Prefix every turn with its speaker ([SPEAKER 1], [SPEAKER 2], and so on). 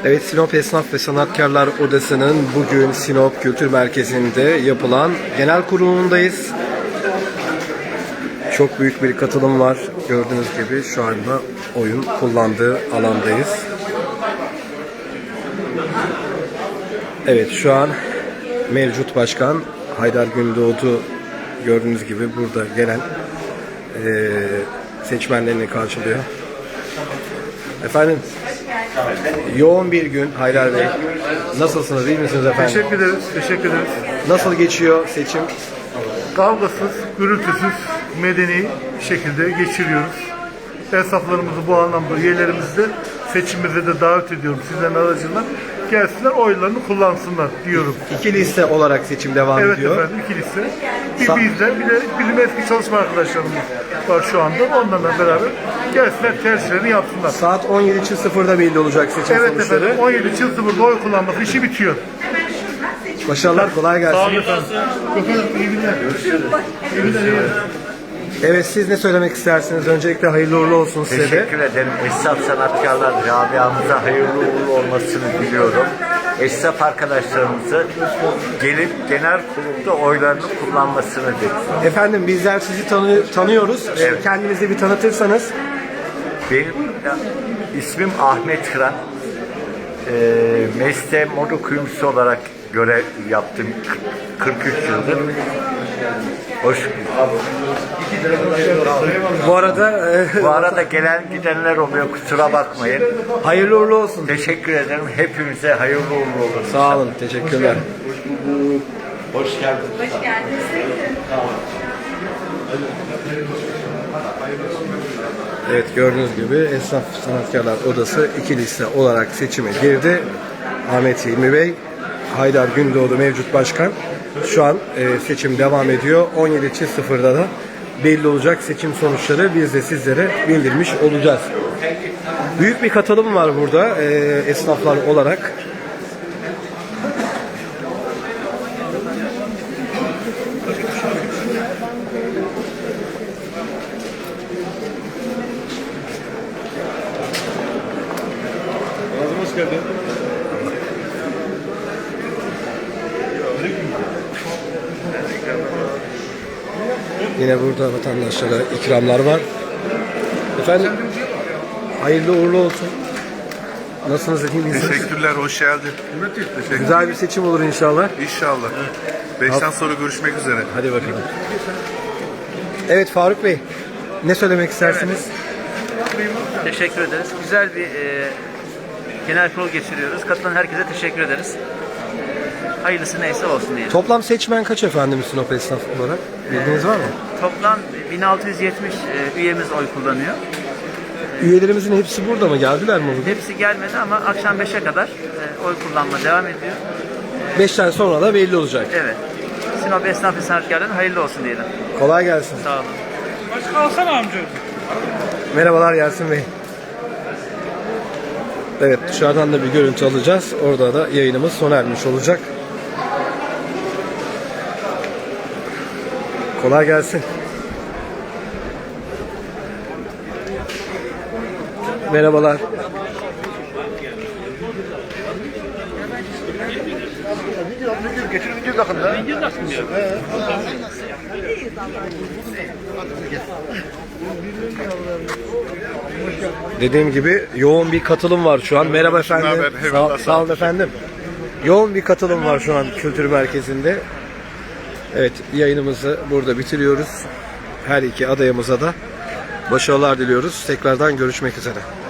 [SPEAKER 1] Evet, Sinop Esnaf ve Sanatkarlar Odası'nın bugün Sinop Kültür Merkezi'nde yapılan genel kurulundayız. Çok büyük bir katılım var. Gördüğünüz gibi şu anda oyun kullandığı alandayız. Evet, şu an mevcut başkan Haydar Gündoğdu gördüğünüz gibi burada gelen seçmenlerini karşılıyor. Efendim, yoğun bir gün Haydar Bey. Nasılsınız, iyi misiniz efendim?
[SPEAKER 2] Teşekkür ederiz, teşekkür ederiz.
[SPEAKER 1] Nasıl geçiyor seçim?
[SPEAKER 2] Kavgasız, gürültüsüz, medeni şekilde geçiriyoruz. Esnaflarımızı bu anlamda, üyelerimizi de seçimimize de davet ediyorum. Sizlerin aracılığıyla gelsinler, oylarını kullansınlar diyorum.
[SPEAKER 1] İki liste olarak seçim devam
[SPEAKER 2] Evet
[SPEAKER 1] ediyor.
[SPEAKER 2] efendim, iki liste. Bizden bir de bilim eski çalışma arkadaşlarımız var şu anda. Onlarla beraber gelsinler, tercihlerini yapsınlar.
[SPEAKER 1] Saat 17.00'da belli olacak seçim
[SPEAKER 2] Evet
[SPEAKER 1] sonuçları.
[SPEAKER 2] efendim, 17.00'da oy kullanması işi bitiyor.
[SPEAKER 1] Başarılar, kolay gelsin.
[SPEAKER 2] Sağ olun efendim. Efendim, iyi günler. Görüşürüz. İyi günler, iyi günler.
[SPEAKER 1] Evet, siz ne söylemek istersiniz? Öncelikle hayırlı uğurlu olsun size de.
[SPEAKER 3] Teşekkür ederim. Esnaf sanatkarlar camiamıza hayırlı uğurlu olmasını diliyorum. Esnaf arkadaşlarımızı gelip genel kurulda oylarını kullanmasını diliyorum.
[SPEAKER 1] Efendim, bizler sizi tanıyoruz.
[SPEAKER 3] Evet.
[SPEAKER 1] Kendinizi bir tanıtırsanız.
[SPEAKER 3] Benim ismim Ahmet Kıran. Mesleğim moda kuyumcusu olarak görev yaptım 43 yıldır. Hoş.
[SPEAKER 1] Bu
[SPEAKER 3] arada gelen gidenler oluyor, kusura bakmayın.
[SPEAKER 1] hayırlı uğurlu olsun.
[SPEAKER 3] Teşekkür ederim. Hepimize hayırlı uğurlu olsun.
[SPEAKER 1] Sağ olun, teşekkürler.
[SPEAKER 3] Hoş geldiniz.
[SPEAKER 4] Hoş geldiniz.
[SPEAKER 1] Evet, gördüğünüz gibi Esnaf Sanatkarlar Odası iki liste olarak seçime girdi. Ahmet Hilmi Bey, Haydar Gündoğdu mevcut başkan. Şu an seçim devam ediyor. 17.00'da da belli olacak seçim sonuçları. Biz de sizlere bildirmiş olacağız. Büyük bir katılım var burada esnaflar olarak.
[SPEAKER 2] Hoş geldin.
[SPEAKER 1] Yine burada vatandaşlara ikramlar var. Efendim, hayırlı uğurlu olsun. Nasılsınız, iyi misiniz?
[SPEAKER 5] Teşekkürler, hoş geldin. Teşekkür.
[SPEAKER 1] Güzel bir seçim olur inşallah.
[SPEAKER 5] İnşallah. 5'ten sonra görüşmek üzere.
[SPEAKER 1] Hadi bakalım. Evet Faruk Bey, ne söylemek istersiniz?
[SPEAKER 6] Teşekkür ederiz. Güzel bir genel kurul geçiriyoruz. Katılan herkese teşekkür ederiz. Hayırlısı neyse olsun diyelim.
[SPEAKER 1] Toplam seçmen kaç efendim Sinop esnaf olarak? Bilginiz var mı?
[SPEAKER 6] Toplam 1670 üyemiz oy kullanıyor.
[SPEAKER 1] Üyelerimizin hepsi burada mı? Geldiler mi bugün?
[SPEAKER 6] Hepsi gelmedi ama akşam 5'e kadar oy kullanma devam ediyor.
[SPEAKER 1] 5'ten sonra da belli olacak.
[SPEAKER 6] Evet. Sinop Esnaf ve Sanatkarlar'ın hayırlı olsun diyelim.
[SPEAKER 1] Kolay gelsin.
[SPEAKER 6] Sağ olun.
[SPEAKER 2] Başka alsana amca.
[SPEAKER 1] Merhabalar Yasin Bey. Evet, dışarıdan da bir görüntü alacağız. Orada da yayınımız sona ermiş olacak. Kolay gelsin. Merhabalar. Dediğim gibi yoğun bir katılım var şu an. Merhaba efendim. Sağ olun efendim. Yoğun bir katılım var şu an kültür merkezinde. Evet, yayınımızı burada bitiriyoruz. Her iki adayımıza da başarılar diliyoruz. Tekrardan görüşmek üzere.